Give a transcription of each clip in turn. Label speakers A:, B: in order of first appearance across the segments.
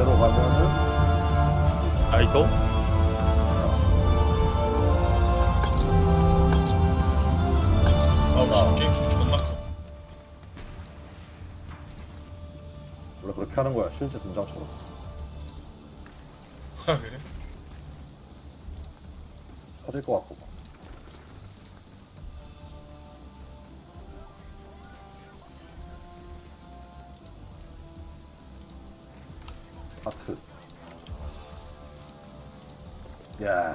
A: 이대로 가면은
B: 아이도?
C: 아우 씨 게임 소리 존나 커.
A: 원래 그렇게 하는 거야 실제 등장처럼.
C: 아 그래?
A: 터질 것 같고. 하트. 야.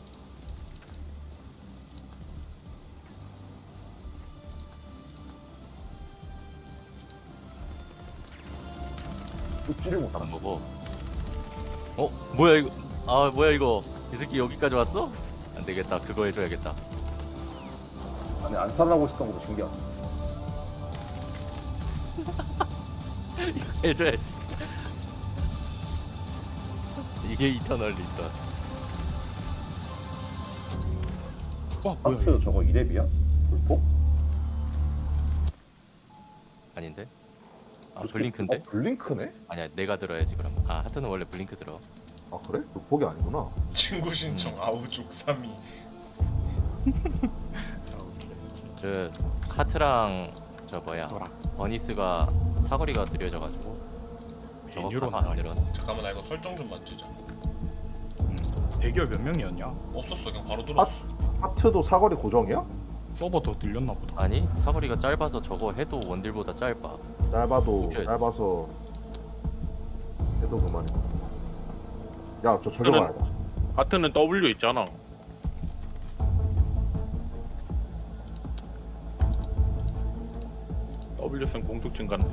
A: 뚝지를 못하나?
D: 안 먹어. 뭐야 이거? 아 뭐야 이거? 이 새끼 여기까지 왔어? 안 되겠다. 그거 해줘야겠다.
A: 아니 안 살라고 했었던 것도 신기하다.
D: 이거 해줘야지. 이게 이터널 리턴.
B: 와 뭐야
A: 하트
B: 이거.
A: 저거 2렙이야? 불폭?
D: 아닌데? 아 블링크인데?
A: 블링크네?
D: 아니야 내가 들어야지 그럼. 아 하트는 원래 블링크 들어.
A: 아 그래? 불폭이 아니구나.
C: 친구 신청 아우 족삼이.
D: 저 하트랑 저 뭐야 버니스가 사거리가 느려져가지고 저거
B: 메뉴로
D: 가도 안 늘어.
C: 잠깐만 나 이거 설정 좀 만지자.
B: 대결 몇 명이었냐?
C: 없었어 그냥 바로 들어왔어.
A: 하트도 사거리 고정이야?
B: 서버 더 늘렸나 보다.
D: 아니 사거리가 짧아서 저거 해도 원딜보다 짧아.
A: 짧아도
D: 그치?
A: 짧아서 해도 그만이야. 야저 저기
E: 저는-
A: 봐야 돼.
E: 하트는 W 있잖아. W 쓴 공속 증가인데.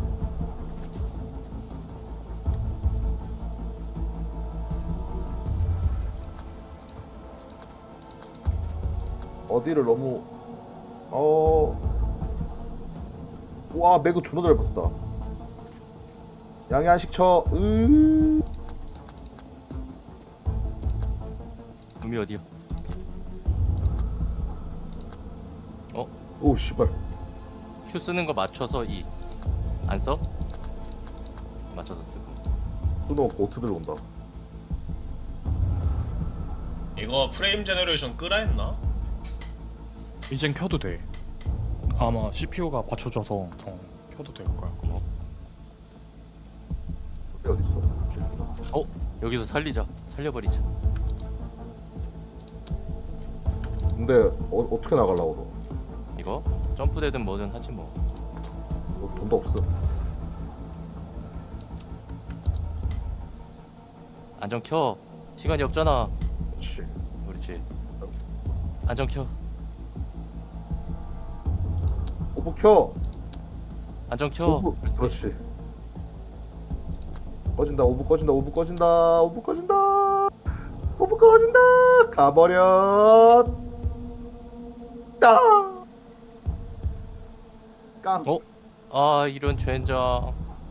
A: 어디를 너무 와 매그 존나 잘 봤다. 양해 한식 쳐.
D: 음이 어디야?
A: 오 씨발.
D: Q 쓰는 거 맞춰서 E 안 써? 맞춰서 쓰고.
A: 또 보트 들어온다.
C: 이거 프레임 제너레이션 끄라 했나?
B: 이젠 켜도 돼. 아마 CPU가 받쳐줘서 켜도 될 거야.
A: 어디 있어?
D: 여기서 살려버리자.
A: 근데 어떻게 나가려고 너?
D: 이거 점프되든 뭐든 하지 뭐.
A: 너 돈도 없어.
D: 안전 켜. 시간이 없잖아.
A: 그렇지.
D: 그렇지. 안전 켜.
A: 오브 켜.
D: 안전 켜.
A: 오브. 그렇지. 꺼진다. 오브 꺼진다. 오브 꺼진다. 오브 꺼진다. 오브 꺼진다. 가버려. 깡. 깡.
D: 아 이런 젠장.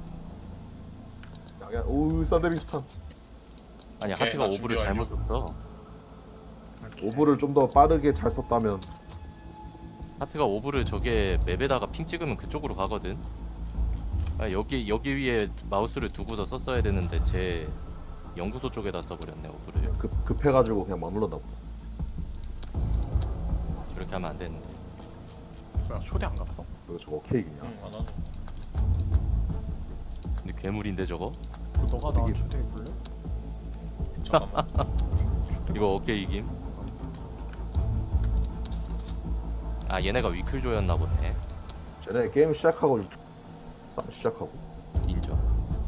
A: 야, 오 썬데비스탄.
D: 아니
C: 오케이,
D: 하트가
C: 나
D: 오브를
C: 준비
D: 잘못 썼어.
A: 오브를 좀 더 빠르게 잘 썼다면.
D: 하트가 오브를 저게 맵에다가 핑 찍으면 그쪽으로 가거든. 아, 여기 위에 마우스를 두고서 썼어야 되는데 제 연구소 쪽에다 써버렸네 오브를.
A: 급해가지고 그냥 머물렀나 보다.
D: 저렇게 하면 안 되는데.
B: 뭐야 초대 안 갔어?
A: 이거 저거 케이크냐?
C: 응 안 하노.
D: 근데 괴물인데 저거?
B: 너가 나
A: 이게-
B: 초대해볼래?
C: 잠깐만.
D: 이거 어깨 이김? 아 얘네가 위클조였나 보네.
A: 쟤네 게임 시작하고 싸움 시작하고.
D: 인정.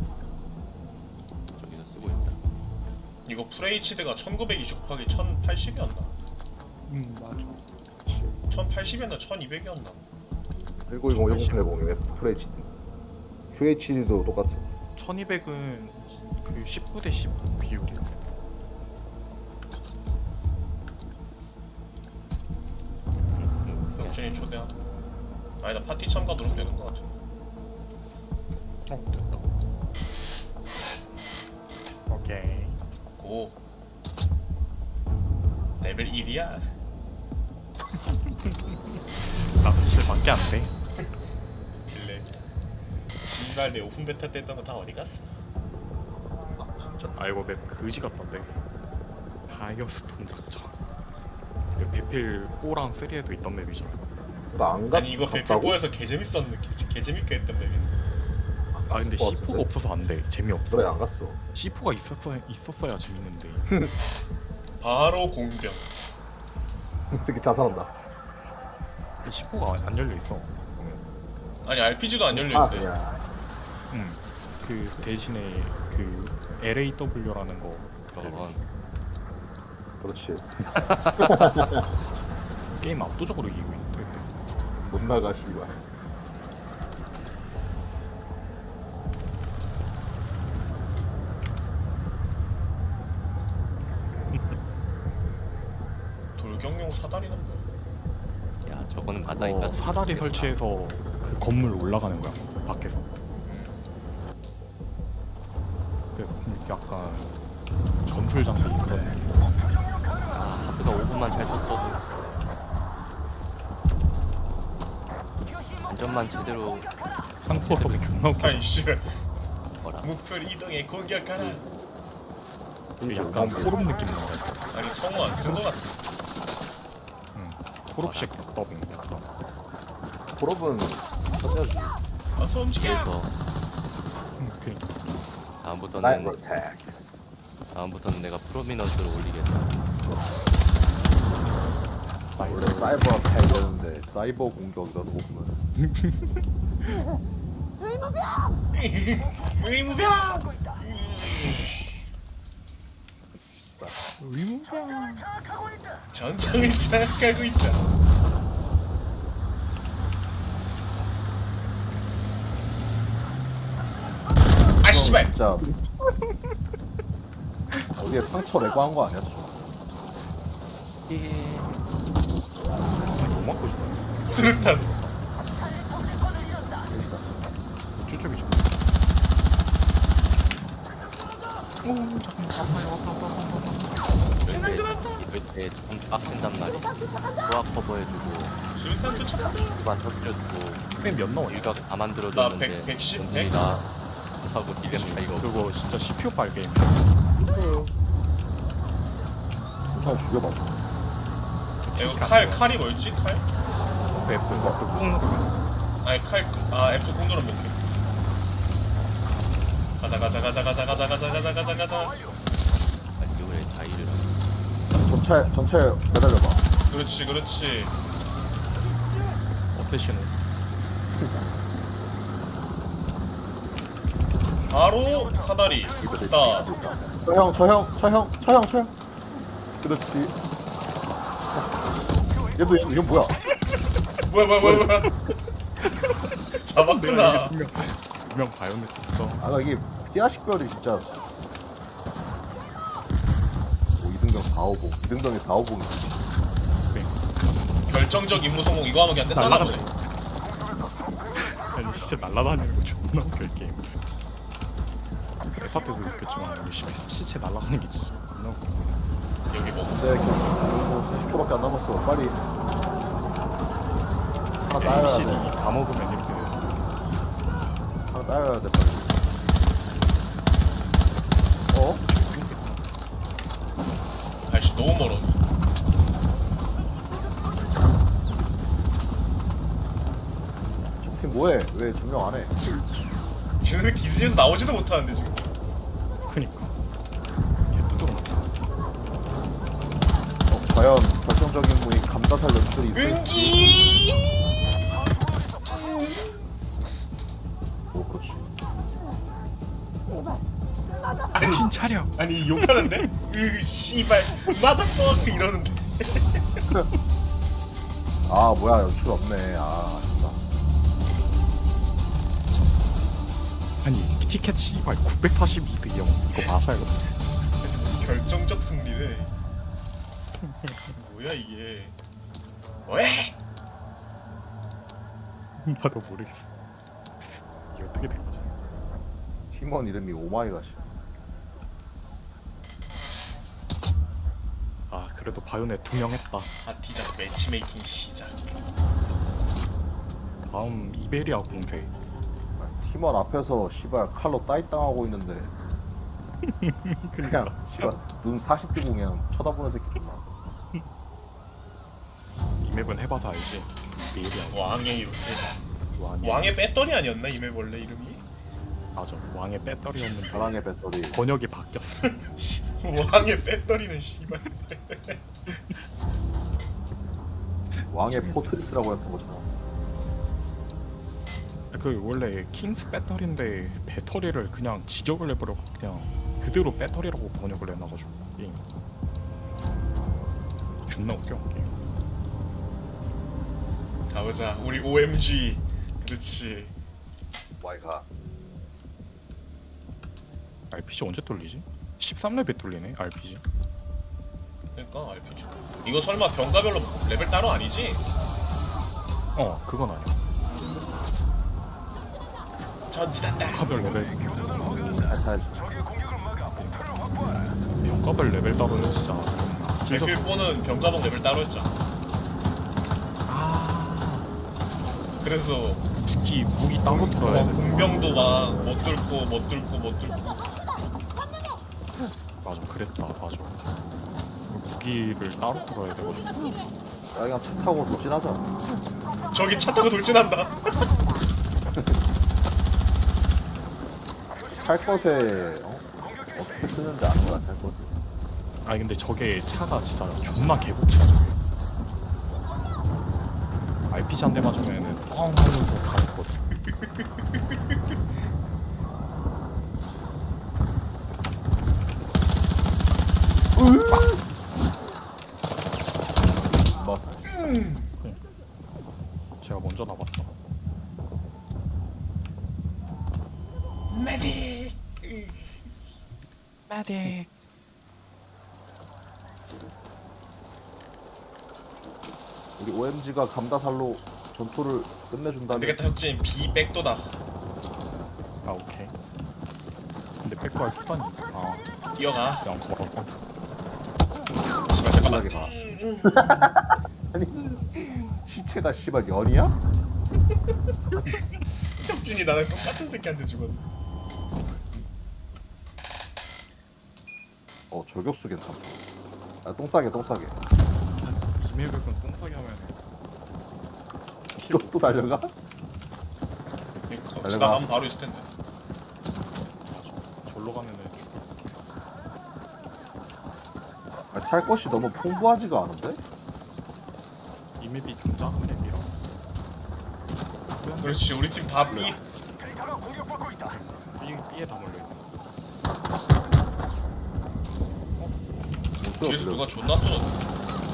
D: 저기서 쓰고 있다.
C: 이거 FHD가 1920 곱하기 1080이었나?
B: 맞아.
C: 1080이었나 1200이었나?
A: 1920, 1080, FHD. QHD도 똑같아.
B: 1200은 그 19대 10 비율이야.
C: 영준이 초대함. 아니다 파티 참가 누르면 되는 거 같아.
B: 됐다. 오케이.
C: 고. 레벨 1이야.
B: 나 7밖에 안 돼.
C: 빌레. 신발 내 오픈 베타 때 했던 거 다 어디 갔어?
B: 아 이거 맵 그지 같던데. 파이어스톰 작전. 이거 배필 4랑 3에도 있던 맵이잖아.
A: 나안 갔.
C: 아니 이거
A: 갔다고?
C: 배필보에서 개재밌었는데 개재밌게 했던 맵인데.
B: 아 근데
A: 갔을 것
B: C4가
A: 같은데?
B: 없어서 안 돼. 재미없어.
A: 그래 안 갔어.
B: C4가 있었어야 재밌는데.
C: 바로 공병.
A: 이 새끼 자살한다.
B: C4가 안 열려 있어.
C: 아니 RPG가 안
A: 아
C: 열려있대.
A: 그냥.
B: 응. 그 대신에 그 LAW라는 거
D: 저런.
A: 그렇지.
B: 게임 압도적으로 이기고 있는데.
A: 못 나가 씨발.
C: 돌격용 사다리는 뭐야?
D: 야 저거는 바다니까
B: 사다리 설치해서 그 건물 올라가는 거야 밖에서. 약간 전술 장비 그런 느낌.
D: 아 하드가 5분만 잘 썼어도 안전만 제대로
B: 한국어도 존나 웃겨.
C: 아이 씨발.
D: 뭐라.
C: 목표를 이동해 공격하라.
B: 약간 포럼 느낌 나는 거.
C: 아니 성우 안 쓴 거 같아.
B: 포럼식 더빙 약간.
A: 졸업은 쳐야지.
C: 어서 움직여.
D: 그래서
B: 그니까.
A: 나이
D: 다음부터는
A: 프로텍.
D: 내가 프로미넌스를 올리겠다.
A: 원래 사이버 어택 되는데 사이버 공격이라도 보면
C: 의무병. 전장을 장악하고 있다. 아 씨발.
A: 진짜 어디에 상처 내고 한 거 아니야?
D: 예.
B: 뭐 맞고 싶어.
C: 수류탄.
B: 저쪽이 좀.
D: 이럴 때 좀 빡센단 말이야. 소화 커버해주고
C: 수류탄 도착한다.
D: 후반 터뜨려주고
B: 몇 나와?
D: 일각 다
C: 나
D: 만들어줬는데
C: 100, 110,
D: 전쟁이 나 하고 디뎀 차이가 없어.
B: 그거 진짜 CPU 빨 게임.
A: 좀 죽여봐.
C: 이거 칼이 뭐였지? 칼?
B: F 꾹 누르면.
C: 아니 아 F 꾹 누르면 못해. 가자.
D: 이거에 자의를
A: 전체 매달려봐.
C: 그렇지.
B: 어패시는.
C: 바로 사다리. 있다.
A: 저 형. 그렇지. 얘도 이건 뭐야?
C: 뭐야. 잡았구나.
B: 분명 바이오넷 있어.
A: 아 나 이게 피아식별이 진짜. 뭐 이등병 4호봉, 이등병이 4호봉이지.
C: 결정적 임무 성공 이거 하면 그냥 끝나나 보네.
B: 아니 진짜 날아다니는 거 존나 웃겨 이 게임. 에파 때도 웃겼지만 이거 시체 날아가는 게 진짜 존나 웃겨.
C: 여기 뭐
A: 근데 뭐 40초밖에 안 남았어. 빨리 하나 따야 돼.
B: ABCD 다 먹으면 이렇게.
A: 하나 따야 돼 빨리. 어?
C: 아이씨 너무 멀어.
A: 저팀 뭐해? 왜 증명 안 해?
C: 쟤네들 기지에서 나오지도 못하는데 지금.
B: 그니까. 걔 뚜드러 먹.
A: 과연 결정적인 분이 감자살 연출이 있을지.
C: 은기.
A: 오 그렇지.
B: 정신 차려.
C: 아니 욕하는데? 씨발 마다퍼 이러는데.
A: 아 뭐야 연출 없네. 아 아쉽다.
B: 아니 티켓 씨발 942배영 이거 맞아요.
C: 결정적 승리네. 뭐야 이게? 왜?
B: 나도 모르겠어. 이게 어떻게 된 거지?
A: 팀원 이름이 오마이갓이.
B: 아 그래도 바이오넷 2명 했다.
C: 파티장 매치메이킹 시작.
B: 다음 이베리아 공대.
A: 팀원 앞에서 씨발 칼로 따이 당하고 있는데 그냥 씨발 눈 사시 뜨고 그냥 쳐다보는 새끼 존나.
B: 이 맵은 해봐서 알지. 내일이야.
C: 왕의 요새.
B: 왕의
C: 왕의 배터리 아니었나 이맵 원래 이름이?
B: 맞아. 왕의 배터리였는데
A: 사랑의 배터리.
B: 번역이 바뀌었어.
C: 왕의 배터리는 씨발.
A: 왕의 포트리스라고 했던 거잖아.
B: 그 원래 킹스 배터리인데 배터리를 그냥 직역을 해버려 그냥 그대로 배터리라고 번역을 해놔가지고 게임 존나 웃겨 게임.
C: 가보자 우리 OMG. 그렇지.
A: 와이가.
B: RPG 언제 뚫리지? 13레벨 뚫리네 RPG.
C: 그러니까 RPG. 이거 설마 병가별로 레벨 따로 아니지?
B: 그건 아니야.
C: 전진한다.
B: 병가별 레벨
A: 잘
B: 병가별 레벨 따로는 진짜
C: 백필포는 병가봉 레벨 따로 했잖아. 그래서
B: 무기 따로 들어야 돼.
C: 공병도 막 못 뚫고
B: 맞아 그랬다 맞아. 무기를 따로 들어야 되거든.
A: 야 그냥 차 타고 돌진하자.
C: 저기 차 타고 돌진한다.
A: 탈 것에 어떻게 쓰는지 아는 거야 탈 것에.
B: 아니 근데 저게 차가 진짜 존나 개복치야 저게. RPG 한 대 맞으면은 뻥 하면서 가겠거든.
A: 뭐
B: 제가 먼저 나봤다.
C: 메딕.
B: 메딕.
A: 우리 OMG가 감다살로 전투를
C: 안
A: 끝내준다면
C: 되겠다 혁진 비백도다.
B: 아 오케이. 근데 백도할 수단이.
C: 뛰어가.
B: 그냥 걸어가.
C: 씨발 잠깐만.
A: 편하게 가. 아니 시체가 씨발 연이야?
C: 혁진이 나랑 똑같은 새끼한테 죽었네.
A: 저격수 괜찮다. 똥 싸게.
B: 이메일은 똥싸게 하면
A: 또 달려가?
C: 지나가면 바로 있을 텐데.
B: 절로 가면은 죽을.
A: 탈 것이 너무 풍부하지가 않은데?
B: 이 맵이 좀 작은 맵이라.
C: 그렇지 우리 팀 다 B.
B: B에 다 몰려 있네.
C: 뒤에서 누가 존나 쏘졌네.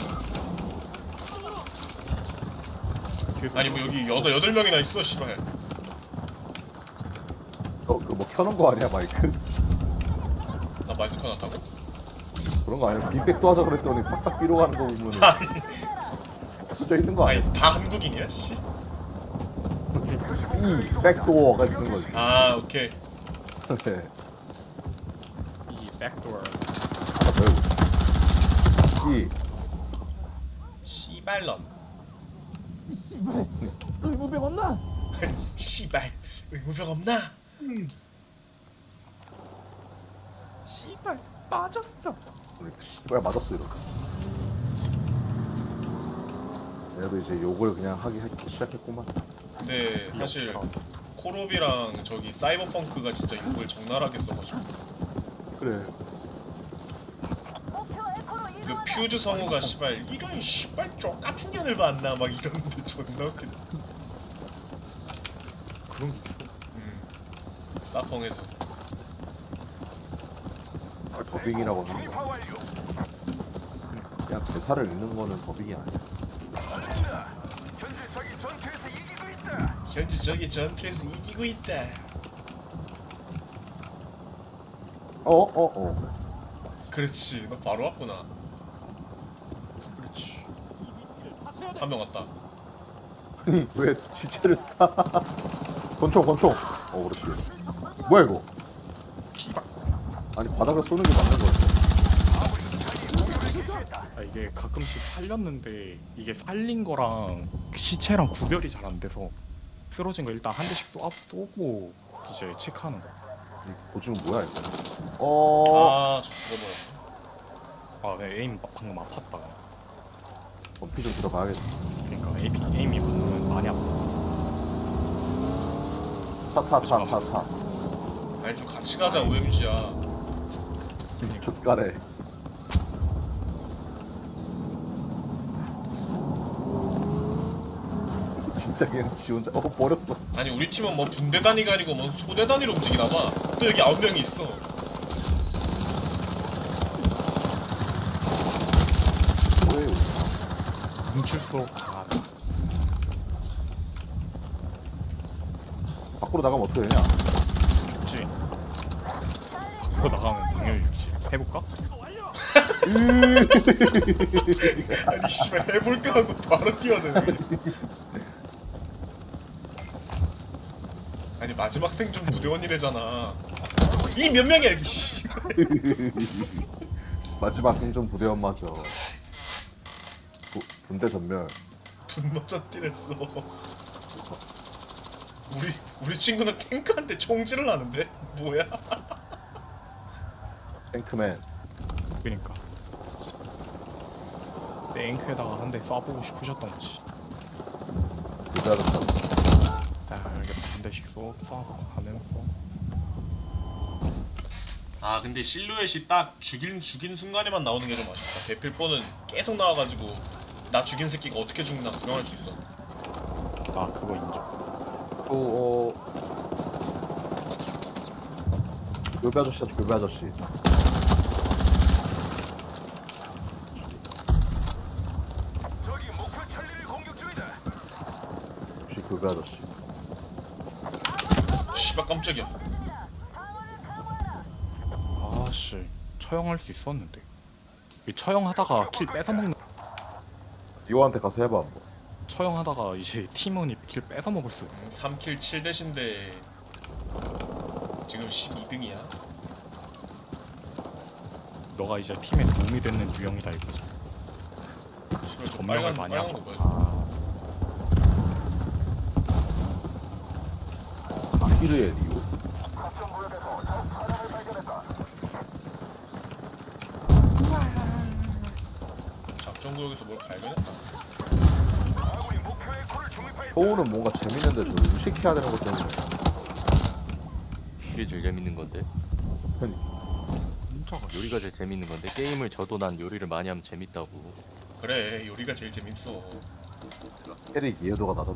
C: 아니 뭐 여기 8명이나 있어 씨발.
A: 그뭐 켜놓은 거 아니야 마이크?
C: 나 마이크 켜놨다고?
A: 그런 거 아니야? 빅백도 하자 그랬더니 싹 다 B로 가는 거 보면은 진짜 있는 거 아니야?
C: 아니 다 한국인이야 씨.
A: 이 백도어가 있는 거지.
C: 아 오케이.
A: 네.
B: 이 백도어.
A: 이
C: 씨발런.
F: 의무병 없나?
C: 씨발 의무병 없나?
B: 씨발 빠졌어.
A: 씨발 맞았어 이러고. 얘도 이제 욕을 그냥 하기 시작했구만.
C: 근데 사실 콜옵이랑 저기 사이버펑크가 진짜 욕을 적나라하게 써가지고
A: 그래.
C: 그 퓨즈 성우가 씨발 이런 씨발 쪽 같은 년을 봤나 막 이러는데 존나 웃기네.
B: 그런
C: 사펑에서
A: 더빙이라고 하는 거. 그냥 대사를 읽는 거는 더빙이 아니야.
C: 현재 저기 전투에서 이기고 있다. 그렇지 너 바로 왔구나.
B: 그렇지.
C: 한 명 왔다.
A: 왜 시체를 싸? 권총. 그렇지. 뭐야 이거?
B: 씨발.
A: 아니 바닥에 쏘는 게 맞는 거지.
B: 아 이게 가끔씩 살렸는데 이게 살린 거랑 시체랑 구별이 잘 안 돼서 쓰러진 거 일단 한 대씩 쏘고 이제 체크하는 거.
A: 이 보증은 뭐야 일단.
C: 아저 죽어버렸네.
B: 아 에임 방금 아팠다.
A: 피 좀 들어가야겠다.
B: 그러니까 에임이 많이 아파.
A: 타.
C: 아니 좀 같이 가자 OMG야.
A: 족가래. 진짜 그냥 지 혼자 버렸어.
C: 아니 우리 팀은 뭐 분대 단위가 아니고 뭐 소대 단위로 움직이나 봐. 또 여기 9명이 있어.
A: 뭐예요?
B: 뭉칠수록
A: 밖으로 나가면 어떻게 되냐?
B: 죽지. 밖으로 나가면 당연히 죽지. 해볼까?
C: 아니 씨발 해볼까 하고 바로 뛰어드네. 아니 마지막 생존 부대원이래잖아. 이 몇 명이야 여기 씨.
A: 마지막 생존 부대원 맞아. 분대 전멸.
C: 분모자 뛰랬어. 우리 친구는 탱크한테 총질을 하는데 뭐야?
A: 탱크맨.
B: 그니까 탱크에다가 한 대 쏴보고 싶으셨던 거지.
A: 기다렸다.
B: 아 이렇게 한 대씩 쏘고 하면서
C: 아 근데 실루엣이 딱 죽인 순간에만 나오는 게 좀 아쉽다. 배필뽀는 계속 나와가지고 나 죽인 새끼가 어떻게 죽나 구경할 수 있어.
B: 아 그거 인정.
A: 또 교배 아저씨야 교배 아저씨. 역시 교배 아저씨.
C: 씨발 깜짝이야.
B: 아씨 처형할 수 있었는데 이 처형하다가 킬 뺏어먹는
A: 이호한테 가서 해봐 한번.
B: 처형하다가 이제 팀원이 킬 뺏어먹을 수
C: 3킬 7대신데 지금 12등이야.
B: 너가 이제 팀에 도움이 되는 유형이다 이거지.
C: 씨발 저
B: 점령을
C: 빨간
B: 많이
C: 빨간
B: 하죠.
C: 거 뭐야?
A: 아히르의 리오?
C: 작전구역에서 뭘 발견했다.
A: 쇼우는 뭔가 재밌는데 저 음식 해야 되는 것 때문에.
D: 이게 제일 재밌는 건데.
B: 진짜가
D: 요리가 제일 재밌는 건데. 게임을 져도 난 요리를 많이 하면 재밌다고.
C: 그래 요리가 제일 재밌어.
A: 캐릭 이해도가 낮았네.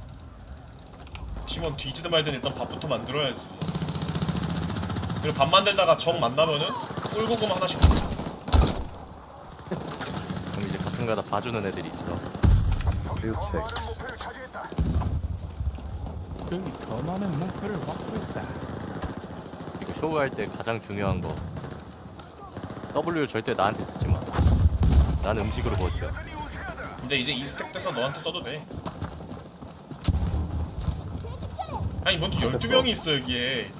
C: 팀원 뒤지든 말든 일단 밥부터 만들어야지. 그리고 밥 만들다가 적 만나면은 꿀고구마 하나씩 줘.
D: 그럼 이제 가끔가다 봐주는 애들이 있어.
A: 리우책.
B: 여기 더 많은 목표를 받고 있다.
D: 이거 쇼할 때 가장 중요한 거. W 절대 나한테 쓰지 마. 나는 음식으로 버텨.
C: 근데 이제 이 스택 돼서 너한테 써도 돼. 아니 먼저 12명이 있어 여기에.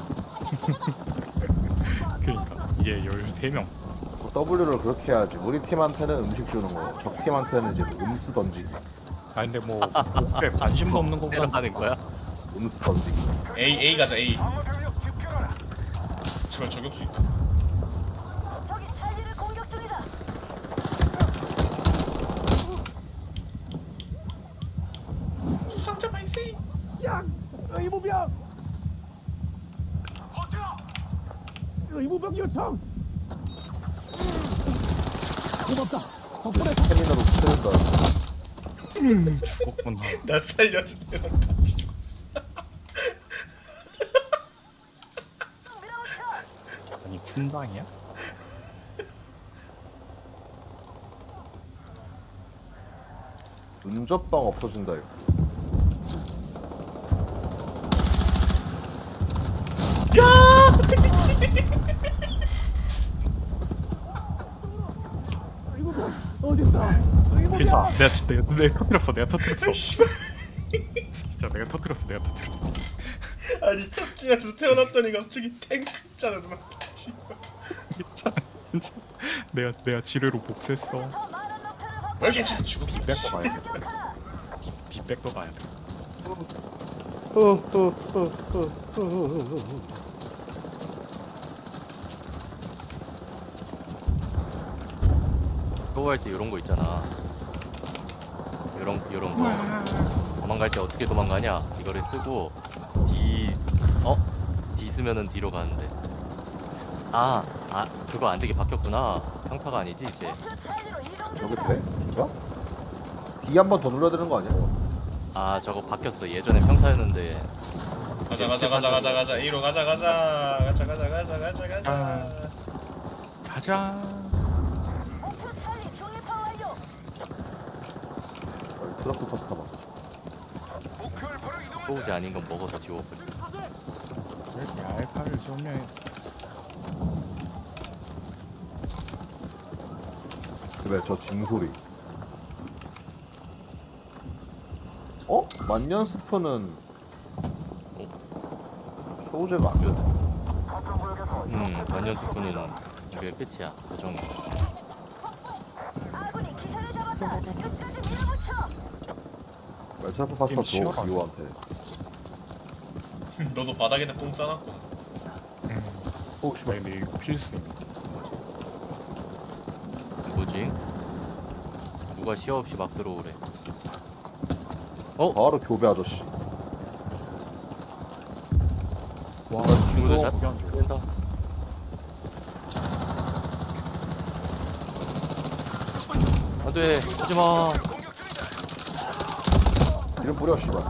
B: 그러니까 이게 13명.
A: W를 그렇게 해야지. 우리 팀한테는 음식 주는 거, 적 팀한테는 이제 음수 던지기.
B: 아 근데 뭐 목표에 관심도 없는 거보다
D: 하는 거야?
A: 음수 던지기.
C: A 가자 A. 제발 저격수 있다.
F: 적이 찰리를 공격 중이다.
C: 상자 발생.
G: 의무병! 의무병 요청! 고맙다. 덕분에
A: 스태미나로 붙는다.
B: 죽었구나.
C: 나 살려준 애랑 같이 죽었어.
B: 아니 군방이야?
A: 눈접방 없어진다 이거.
G: 의무병 어딨어? 의무병!
B: 괜찮아. 내가 터뜨렸어. 내가 터뜨렸어.
C: 씨발.
B: 진짜 내가 터뜨렸어. 내가 터뜨렸어.
C: 아니 탑진에서 태어났더니 갑자기 탱크 있잖아 누나. 씨발.
B: 괜찮아. 괜찮아. 내가 지뢰로 복수했어.
C: 뭘 괜찮아 죽어.
B: 빅백도 가야 돼. 빅백도 가야 돼.
D: 할 때 이런 거 있잖아. 이런 거. 도망갈 때 어떻게 도망가냐? 이거를 쓰고 D 쓰면은 D로 가는데. 그거 안 되게 바뀌었구나. 평타가 아니지 이제.
F: 목표 차지로 이동
A: 저게
F: 중이다.
A: 돼? 진짜? D 한 번 더 눌러야 되는 거 아니야?
D: 저거 바뀌었어. 예전에 평타였는데.
C: 가자 A로 가자
B: 가자.
F: 목표 차지 중립화 완료.
A: 트럭도 터스 타봐.
D: 소우지 아닌 건 먹어서 지워버려.
B: 이렇게 알파를 좀 해.
A: 그래 저 징소리. 만년 스프는 쇼우제가 안 되네.
D: 만년수프는 이게 끝이야. 고정이.
F: 아군이 기사를 잡았다. 끝까지 밀어붙여.
A: 멜차프 파스타 줘
B: 치열하네.
A: 이호한테.
C: 너도 바닥에다 똥 싸놨고.
A: 혹시
B: 나 근데 이거 필수임.
D: 뭐지? 누가 시야 없이 막 들어오래.
A: 바로 교배 아저씨.
B: 와,
D: 친구들
A: 이거
D: 샷
B: 거기 안 돼.
D: 된다. 안돼, 하지마.
A: 이름 뿌려 씨발.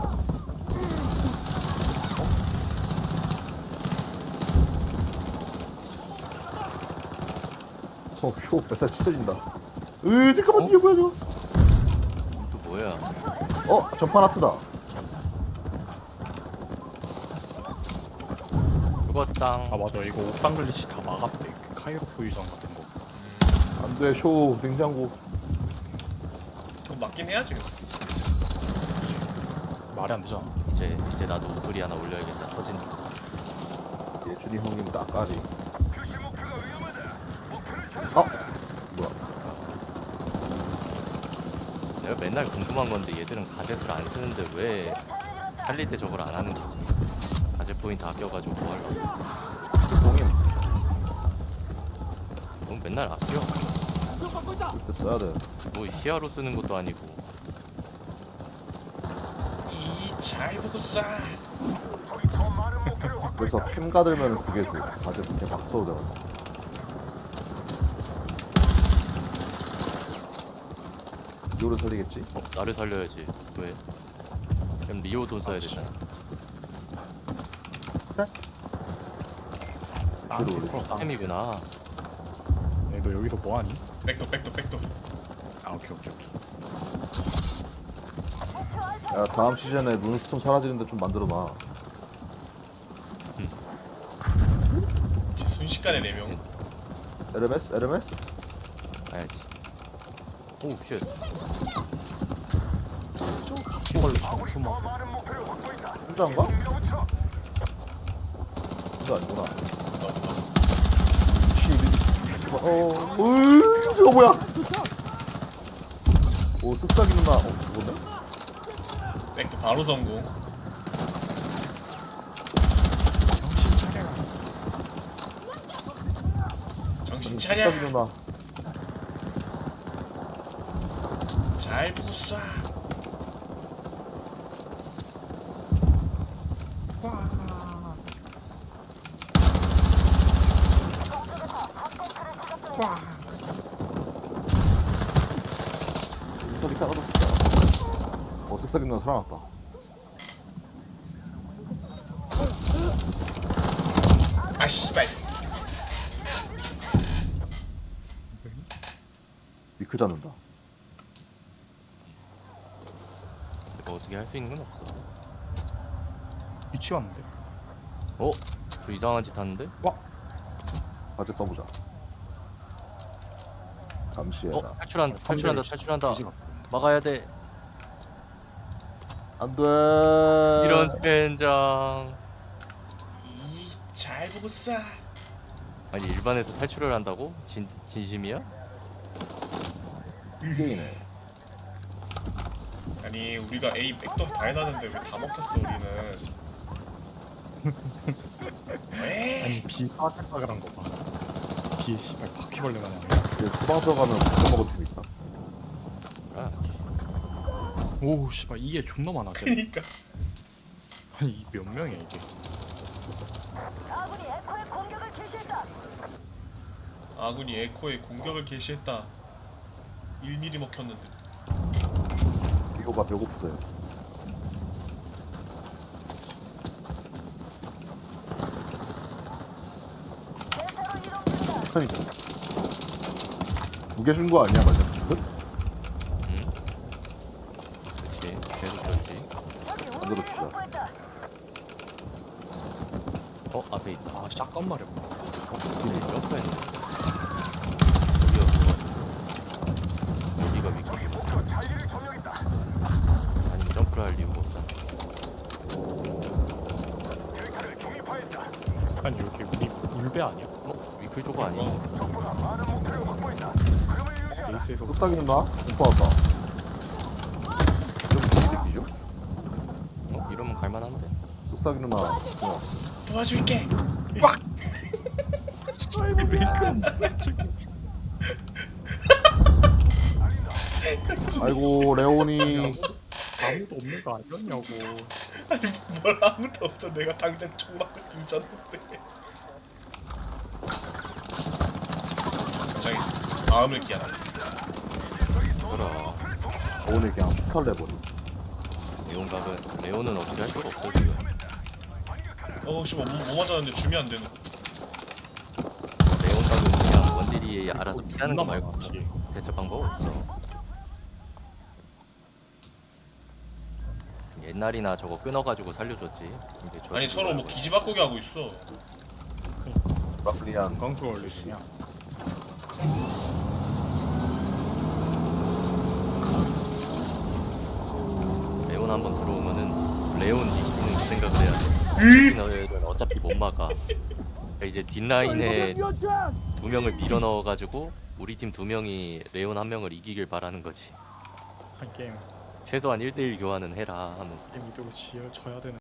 A: 효 뱃살 찢어진다. 잠깐만 이게 뭐야 저거?
D: 또 뭐야?
A: 전판 아트다.
D: 죽었당.
B: 아 맞아, 이거 옥상 글리치 다 막았대. 그 카이로 포유전 같은 거.
A: 안돼 쇼 냉장고.
C: 그럼 맞긴 해야지.
B: 말이 안 되잖아.
D: 이제 나도 우두리 하나 올려야겠다. 터진다.
A: 예준이 형님 나까지. 뭐야?
D: 내가 맨날 궁금한 건데 얘들은 가젯을 안 쓰는데 왜 살릴 때 저걸 안 하는 거지? 가젯 포인트 아껴가지고 뭐 하려고?
A: 공인
D: 넌 맨날 아껴.
A: 그때 써야 돼.
D: 뭐 시야로 쓰는 것도 아니고.
C: 잘 보고 쏴.
A: 그래서 캠 가들면 그게 좋아. 가재 그렇게 막 써도 되거든. 이거를 살리겠지?
D: 나를 살려야지. 왜? 그럼 리오 돈 써야 되잖아.
B: 나한테
A: 올려.
B: 있어.
D: 햄이구나.
B: 야, 너 여기서 뭐 하니?
C: 백도.
B: 아 오케이.
F: 목표 알파.
A: 야 다음 시즌에 룬스톤 사라지는데 좀 만들어놔.
C: 순식간에 4명.
A: LMS? LMS?
D: 가야지. 오 쉣.
B: 이걸로 정수막.
A: 혼자인가? 혼자 아니구나. 저거 뭐야? 오 쓱싹이 누나. 죽었네?
C: 백도 바로 성공. 정신 차려.
A: 쓱싹이 누나.
C: 잘 보고 쏴.
A: 쓱싹이 사라졌어. 쓱싹이 누나 살아났다.
C: 아 씨발.
A: 미크 잡는다.
D: 뭐 어떻게 할 수 있는 건 없어.
B: 위치 왔는데?
D: 저 이상한 짓 하는데?
A: 가재 써보자. 감시해라.
D: 탈출한다. 막아야 돼.
A: 안돼.
D: 이런 젠장.
C: 잘 보고 쏴.
D: 아니 일반에서 탈출을 한다고? 진심이야?
A: 게이네.
C: 아니 우리가 A 백도 다 해놨는데 왜 다 먹혔어 우리는. 왜?
B: 아니 비 빠삭빠삭한 거 봐. 뒤에 씨발 바퀴벌레 마냥.
A: 소방 들어가면 못 먹을 팀 있다.
D: 그렇지.
B: 오 씨발 이게 존나 많아 쟤.
C: 그니까
B: 아니 이 몇 명이야 이게.
F: 아군이 에코의 공격을 개시했다.
C: 아군이 에코에 공격을 개시했다. 1mm 먹혔는데.
A: 이거 봐 배고프대.
F: 대타로 이동 중이다.
A: 그러니까. 두개 준 거 아니야 맞아?
D: 응? 그치. 계속 줬지.
F: 적이
A: 그렇다.
F: 우리를 확보했다.
D: 어 앞에 있다.
B: 아 샷건 말이었다.
D: 점프했네. 여기가 위키지. 아니면 점프를 할 이유가 없잖아.
B: 아니 여기 우리 울배 아니야?
D: 어? 위클 조거 아니야?
B: 베이스에서
A: 뚝딱이 누나? 못 받았다. 이러면 이 새끼죠?
D: 어? 이러면 갈만한데?
A: 뚝딱이 누나.
C: 도와줄게.
A: 아이고 레온이.
B: 아무도 없는 거 아니었냐고.
C: 아니 뭘 아무도 없어. 내가 당장 총 맞고 뒤졌는데. 굉장히 다음을 기한한다.
D: 그럼
A: 레온이 그냥 털내버리.
D: 레온은 어떻게 할 수가 없어 지금.
C: 어씨 뭐 맞았는데 줌이 안 되네.
D: 레온각은 그냥 원딜이 알아서 피하는 거
B: 존나
D: 말고
B: 많아, 뒤에.
D: 대처 방법 없어. 옛날이나 저거 끊어가지고 살려줬지. 이게
C: 아니 서로 뭐 기지 바꾸기 하고 있어.
A: 브라클리안.
B: 건강수 올리냐?
D: 레온 한번 들어오면은 레온 니키는 그 생각을 해야 돼. 너희들 어차피 못 막아. 그러니까 이제 뒷라인에
G: 뛰어짱!
D: 2명을 밀어 넣어가지고 우리 팀 2명이 레온 1명을 이기길 바라는 거지.
B: 한 게임
D: 최소한 1대1 교환은 해라 하면서.
B: 게임 이대로 져야 되는.